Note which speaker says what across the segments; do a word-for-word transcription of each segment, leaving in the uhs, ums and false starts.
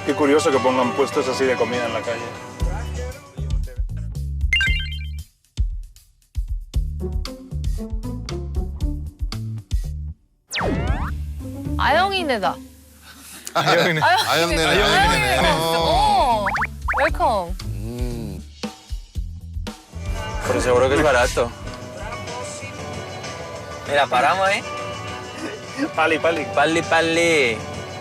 Speaker 1: Qué curioso que pongan puestos así de comida en la calle.
Speaker 2: 아영이네다.
Speaker 1: 아영이네.
Speaker 3: 아영네네. 아영네네.
Speaker 2: 어. 웰컴.
Speaker 4: Pero seguro que es barato. Mira, paramos ahí.
Speaker 1: Pali, pali.
Speaker 4: Palli, palli.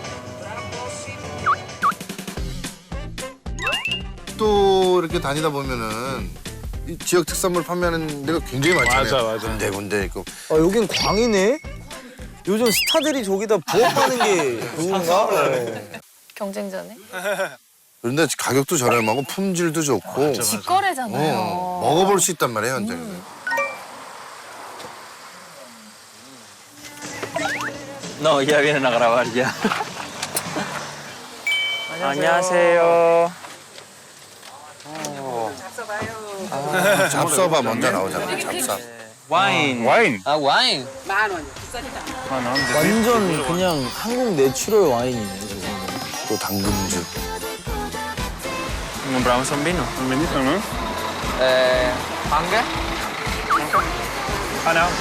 Speaker 3: 또 이렇게 다니다 보면은 이 지역 특산물 판매하는 데가 굉장히 많잖아요.
Speaker 1: 맞아, 맞아.
Speaker 3: 군데 군데 있고.
Speaker 5: 아, 여긴 광이네? 요즘 스타들이 저기다 부업하는 게 그건가? 네.
Speaker 2: 경쟁자네.
Speaker 3: 그런데 가격도 저렴하고 품질도 좋고
Speaker 2: 직거래잖아요.
Speaker 3: 어, 먹어볼 수 있단 말이에요, 현장에서.
Speaker 4: No, ya vienen a grabar ya. 안녕하세요.
Speaker 3: 잡숴봐 먼저 나오잖아, 잡숴.
Speaker 4: 와인.
Speaker 1: 와인.
Speaker 4: 아, 와인.
Speaker 1: 만 원.
Speaker 5: 완전 그냥 한국 내추럴 와인이네, 저거는.
Speaker 3: 또 당근즙.
Speaker 4: Compramos un vino.
Speaker 1: Un vinito, ¿no?
Speaker 4: Eh, ¿Manga?
Speaker 1: Ah, no.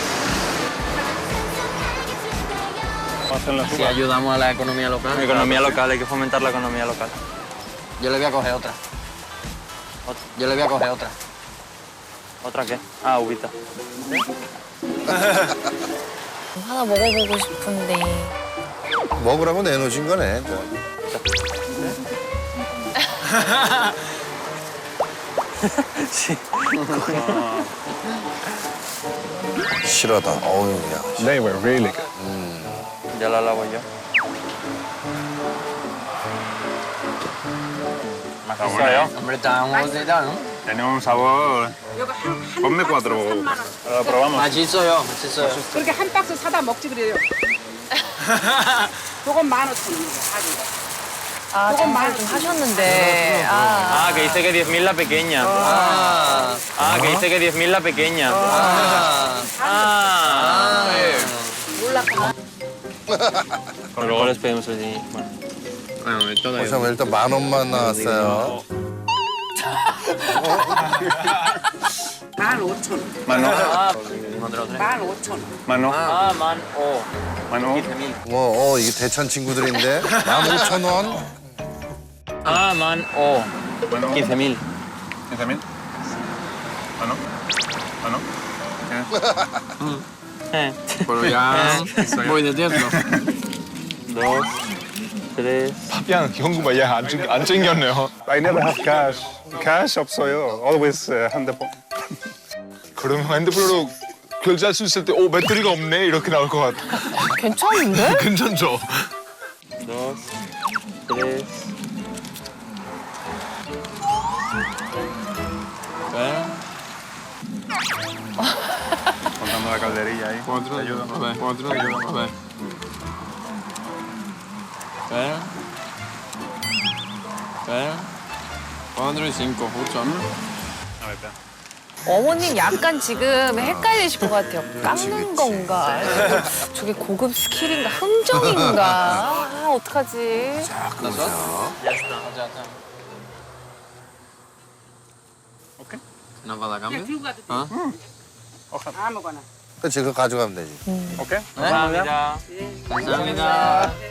Speaker 1: Vamos en la
Speaker 6: Si
Speaker 1: suba.
Speaker 6: ayudamos a la economía local.
Speaker 4: Economía local, hay que fomentar la economía local.
Speaker 6: Yo le voy a coger otra. Yo le voy a coger otra.
Speaker 4: ¿Otra qué? Ah, uvita.
Speaker 2: 하나 먹어보고 싶은데.
Speaker 3: 먹으라고 내놓으신 거네.
Speaker 4: Sí.
Speaker 3: 실하다. 어우, 야.
Speaker 1: They were really good.
Speaker 4: Ya la lavo yo. ¿Macizado?
Speaker 6: Hombre, está un bolsita, ¿no?
Speaker 1: Tiene un sabor. Ponme cuatro. Lo probamos.
Speaker 6: 맛있어요, 맛있어요.
Speaker 7: 그렇게 한 박스 사다 먹지 그래요. 요건 만 오천 원이에요. 가지고.
Speaker 2: 아, 장사를 좀 하셨는데. 아,
Speaker 4: Ah, que dice que diez mil la pequeña.
Speaker 6: 아,
Speaker 4: Ah, que dice que diez mil la pequeña.
Speaker 6: 아,
Speaker 4: Ah.
Speaker 2: 몰랐구나.
Speaker 4: Pero luego les pedimos el dinero. Bueno.
Speaker 6: bueno, esto da
Speaker 3: 보시면 일단 만 원만 나왔어요.
Speaker 7: 만 오천 원.
Speaker 1: Mano.
Speaker 4: Ah,
Speaker 7: 만 오천 원.
Speaker 1: Mano.
Speaker 4: ah, man, oh.
Speaker 1: Mano.
Speaker 4: quince mil.
Speaker 3: 뭐, 어, 이게 대천 친구들인데. 만 오천 원.
Speaker 4: Ah, man, oh.
Speaker 1: Mano.
Speaker 4: quince mil.
Speaker 1: ¿quince mil? Mano. Mano.
Speaker 4: Eh.
Speaker 6: Pero ya voy de tiempo.
Speaker 4: Dos, tres.
Speaker 1: 그냥 현금 야, 안, 챙- 안 챙겼네요. I never have cash. Cash 없어요. Always uh, 핸드폰.
Speaker 8: 그러면 핸드폰으로 결제할 수 있을 때, 오, 배터리가 없네? 이렇게 나올 것 같아.
Speaker 2: 괜찮은데?
Speaker 8: 괜찮죠?
Speaker 4: Dos, tres. ¿Eh?
Speaker 1: Contando la calderilla ahí.
Speaker 6: Cuatro,
Speaker 1: Te ayudo.
Speaker 6: a ver, cuatro, a ver. ¿Eh? ¿Eh? Cuatro y cinco, ocho.
Speaker 1: A ver, espera.
Speaker 2: 어머님 약간 지금 헷갈리실 것 같아요. 깎는 건가? 저게 고급 스킬인가? 흥정인가? 아, 어떡하지?
Speaker 4: Ya está.
Speaker 6: Ya está.
Speaker 1: 오케이.
Speaker 6: ¿Nos va a dar
Speaker 7: 그냥
Speaker 6: cambio?
Speaker 7: 들고 가도 돼.
Speaker 6: ¿Ah?
Speaker 7: 아무거나.
Speaker 3: 그치, 그거 가져가면 되지.
Speaker 1: 오케이.
Speaker 4: 감사합니다.
Speaker 6: 감사합니다.